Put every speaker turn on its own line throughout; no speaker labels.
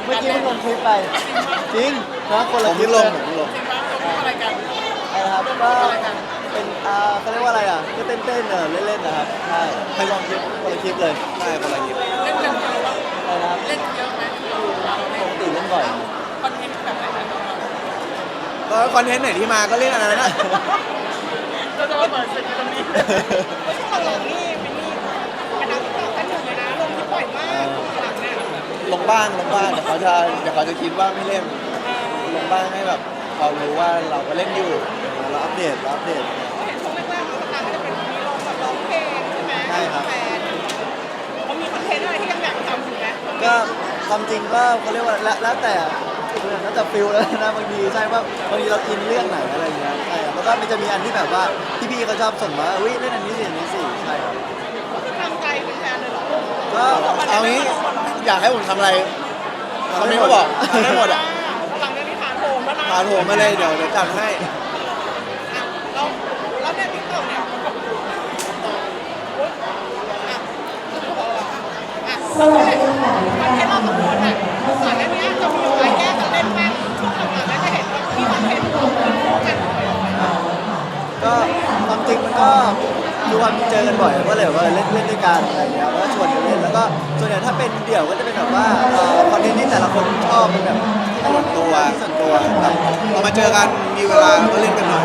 เมื่อกี้เพิ่งลงคลิปไปจริงนะคนละคลิป
ล
เล
ง
ย
ผมลง
จริงปะเราพูดอะไรกัน
นะครับก็เป็นเขาเรียกว่าอะไรอ่ะก็เต้นเล่นๆนะครับใช่ให้ลองคลิปคนละคลิปเลย
ใช่คนละคลิป
เล่นกันเยอะปะ
ใช่นะครับ
เล่นเยอะไหมเราเล่
ป
น
กติเล่นบ่อย
คอนเทนต์แบบไหนนะเรา
ก็คอนเทนต์ไหนที่มาก็เล่นอันนั้นนะ
เราจะมาเปิดศึกกันตรงนี้
ช่วงหลังนี่เป็นนี่เป็นนักติ๊กต็อกกันหนึ่งเลยนะลงที่บ่อยมากหลังเนี่ย
ลงบ้างเดี๋ยวเขาจะคิดว่าไม่เล่นลงบ้างให้แบบเขารู้ว่าเราก็เล่นอยู่
เราอัปเดต
ก็เห็นช่วงแรกๆเราต่างก็จะเป็นมีลงแบบร้องเพลงใช่ไหม
ใช่ครับ
แฟนเขามีคอนเทนต์อะไรที่ยังอยากทำอยู่ไหม
ก็ความจริงก็เขาเรียกว่าแล้วแต่ฟิลแล้วนะบางทีใช่ว่าบางทีเราอินเรื่องไหนอะไรอย่างเงี้ยใช่ครับแล้วก็มันจะมีอันที่แบบว่าพี่ๆเขาชอบส่งมาอุ้ยเล่นอันนี้สิอันนี้สิใช่ครับ
ก็คือทำใจเป็นแฟนเลยเหรอ
ก็
เอางี้อยากให้ผมทำอะไรเขาไม่มาบอกทำได้หมดอ่ะ
หลังเรื่องนี้ฐานโหมแล้วนะ
พาผมมาเลยเดี๋ยวจัดให้
เราแล้วเนี่ยติ๊กต็อกเนี่ยมันก็สวัสดีค่ะคอนเทนต์เราสองคนอ่ะก่อนหน้านี้จะมีอะไรแก้กันเล่นมากช่วงหลังๆแล้วจะเห็นว่ามีคอนเทนต์คู่กันบ่อยๆ
ก็ความจริงมันก็คือความเจอกันบ่อยก็เลยแบบว่าเล่นด้วยกันอะไรอย่างเงี้ยก็ชวนกันเล่นแล้วก็ส่วนใหญ่ถ้าเป็นเดี่ยวก็จะเป็นแบบว่าคอนเทนต์ที่แต่ละคนชอบเป็นแบบที่ส่วนตัว
พอมาเจอกันมีเวลาก็เล่นกันหน่อย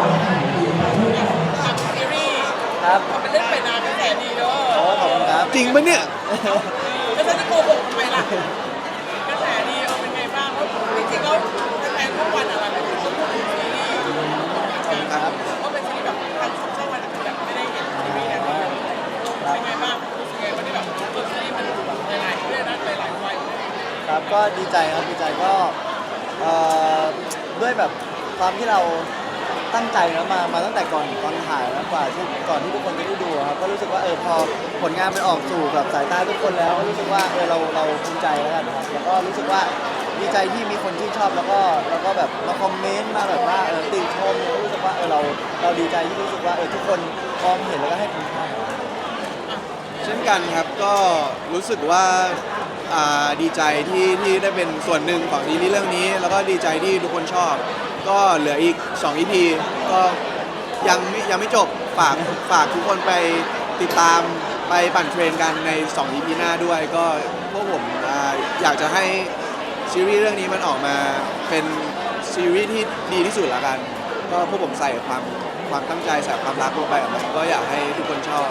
ทำซีรีส์
ครับ
มันเล่นไปนานกระแสดีเด้
โอ้
อ
ขอบคุณครับ
จริงปะเนี่ย
แล้วฉันจะโกหกทำไมล่ะกระแสดีเป็นไงบ้างเพราะจริงๆแล้วแฟนทุกวันอะไรแบบนี้ก็พูดถึงซีรีส์ก็เป็นซีรีส์แบบทางช่องวันแบบไม่ได้เห็นซีรีส์แบบนี้เป็นไงบ้างรู้สึกไงวันนี้แบบซีรีส์มันหลายๆเรื่องนะหลายๆวัย
ครับก็ดีใจครับดีใจก็เอ่อด้วยแบบความที่เราตั้งใจแล้วมาตั้งแต่ก่อนถ่ายแล้วก่อนที่ทุกคนจะได้ดูครับก็รู้สึกว่าพอผลงานมันออกสู่แบบสายตาทุกคนแล้วก็รู้สึกว่าเราภูมิใจแล้วกันครับแล้วก็รู้สึกว่าดีใจที่มีคนชื่นชอบแล้วก็แบบมาคอมเมนต์มาแบบว่าติชมแล้วรู้สึกว่าเราดีใจที่รู้สึกว่าทุกคนพร้อมเห็นแล้วก็ให้คุณค่า
เช่นกันครับก็รู้สึกว่าดีใจที่ได้เป็นส่วนหนึ่งของซีรีส์เรื่องนี้ แล้วก็ดีใจที่ทุกคนชอบ ก็เหลืออีก2 EP ก็ยังไม่จบฝากทุกคนไปติดตามไปปั่นเทรนกันใน2 EP หน้าด้วยก็พวกผมอยากจะให้ซีรีส์เรื่องนี้มันออกมาเป็นซีรีส์ที่ดีที่สุดละกัน ก็พวกผมใส่ความตั้งใจใส่ความรักลงไปกับมันก็อยากให้ทุกคนชอบ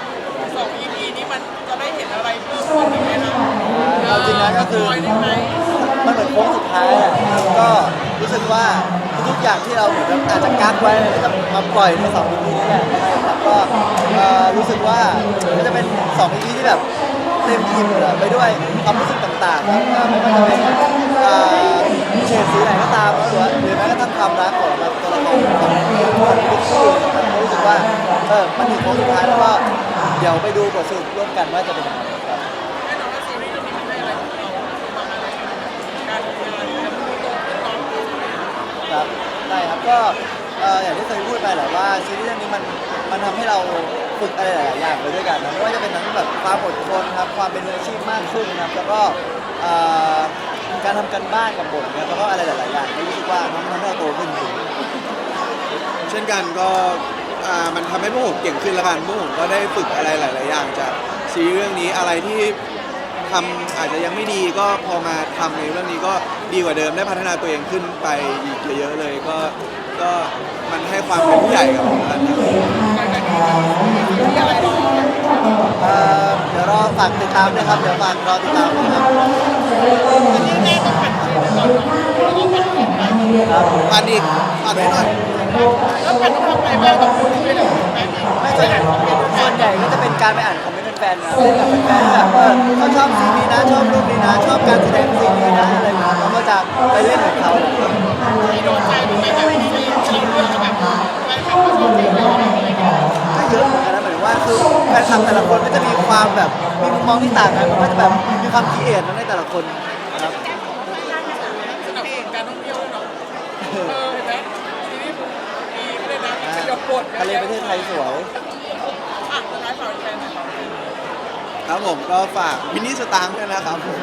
2 EP นี้มันจะได้เห็นอะไรเพิ่มขึ้นอีกไหมนะ
เอาจริงนะก็คือ
ปล่ยได้ไหม
มันเหมือนโค้งสุดท้ายอะก็รู้สึกว่าทุกอย่างที่เราเหมือนกับอาจจะกักไว้ก็จะมาปล่อยใน2 EP นี้แหละแล้วก็รู้สึกว่าก็จะเป็น2 EP ที่แบบเต็มอิ่มไปด้วยความรู้สึกต่างๆครับไม่ว่าจะเป็นเฉดสีไหนก็ตามหรือแม้กระทั่งความรักของตัวละครของทุกคู่นะครับรู้สึกว่ามันถึงโค้งสุดท้ายแล้วก็เดี๋ยวไปดูบทสรุปร่วมกันว่าจะเป็นยังไงครับ
แน่นอนว่าซีรีส์เรื่องนี้มันได้อะไรของเราบ้างอะไรการทำงานแล้วมันโตขึ้นน้องขึ้น
ครับได้ครับก็อย่างที่เคยพูดไปแหละว่าซีรีส์เรื่องนี้มันทำให้เราฝึกอะไรหลายๆอย่างไปด้วยกันนะไม่ว่าจะเป็นทั้งแบบความอดทนครับความเป็นมืออาชีพมากขึ้นนะครับแล้วก็การทำกันบ้านกับบทนะครับแล้วก็อะไรหลายๆอย่างที่รู้สึกว่ามันทำให้เราโตขึ้นจริง
เช่นกันก็มันทำให้พวกผมเก่งขึ้นแล้วกันพวกผมก็ได้ฝึกอะไรหลาย ๆ อย่างจากซีรีส์เรื่องนี้อะไรที่ทำอาจจะยังไม่ดีก็พอมาทำในเรื่องนี้ก็ดีกว่าเดิมได้พัฒนาตัวเองขึ้นไปอีกเยอะๆเลยก็มันให้ความเป็นผู้ใหญ่กับผมแล้วกันครับ
ที่อะไรหรอ
เดี๋ยวรอฝากติดตามด้วยครับเดี๋ยวฝากรอติดตามด้วยครับ
อันนี้แน่ต้องเป็นซีรีส์ก่อนเนาะแล้วก็เป็นของใหม่
ครับ
ผ่านอีกผ่านให้หน่อย
แล้วเป็นต้องทำอะไรบ้างต้องพูดคุยกับแฟน
ไม่ส่วนใหญ่ก็จะเป็นการไปอ่านคอมเมนต์แฟนๆนะเล่นกับแฟนๆแบบเขาชอบซีนนี้นะชอบรูปนี้นะชอบการแสดงซีนนี้นะอะไรอย่างเงี้ยเราก็จะไปเล่นกับเขา
มีโดนใจตรงไหนแบบที่เราเลือกแบบแฟนคลับเขาชอบเพลงเราอะไรอย่างเงี้ย
ก็เยอะเหมือนกันนะหมายถึงว่าคือแฟนคลับแต่ละคนก็จะมีความแบบมีมุมมองที่ต่างกันมันก็จะแบบมีความคิดเห็นในแต่ละคนครับ
สนับสนุนการท่องเที่ยวด้วยเนาะเห็นไหมซีรีส์มีเลยนะมีประโยชน์บท
ทะเลประเทศไทยสวย
อ่ะสุดท้ายฝากแฟนหน่อยครับ
ครับผมก็ฝากมินิสตางค์ด้วยนะครับ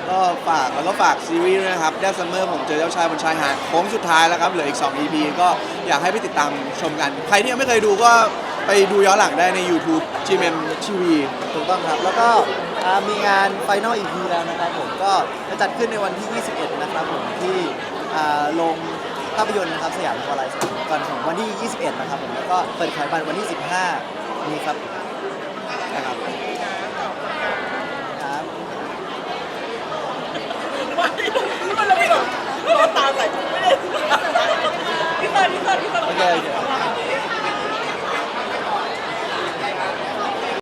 ก็ฝากซีรีส์ด้วยนะครับ That Summer ผมเจอเจ้าชายบนชายหาดโค้งสุดท้ายแล้วครับเหลืออีก 2 EP ก็อยากให้ไปติดตามชมกัน ใครที่ยังไม่เคยดูก็ไปดูย้อนหลังได้ใน YouTube GMM TV
ถูกต้องครับ แล้วก็มีงาน Final EP แล้วนะครับผมก็จะจัดขึ้นในวันที่ 21 นะครับผมที่โรงภาพยนตร์นะครับสยามพารากอนก่อนของวันที่ 21 นะครับผมแล้วก็เปิดขายบัตรวันที่ 15 นี้ครับนะครับครับ
ไม่มันเราไม่หรอกเราตาใส่ไม่ได้พี่เตอร์
โอเคโอเค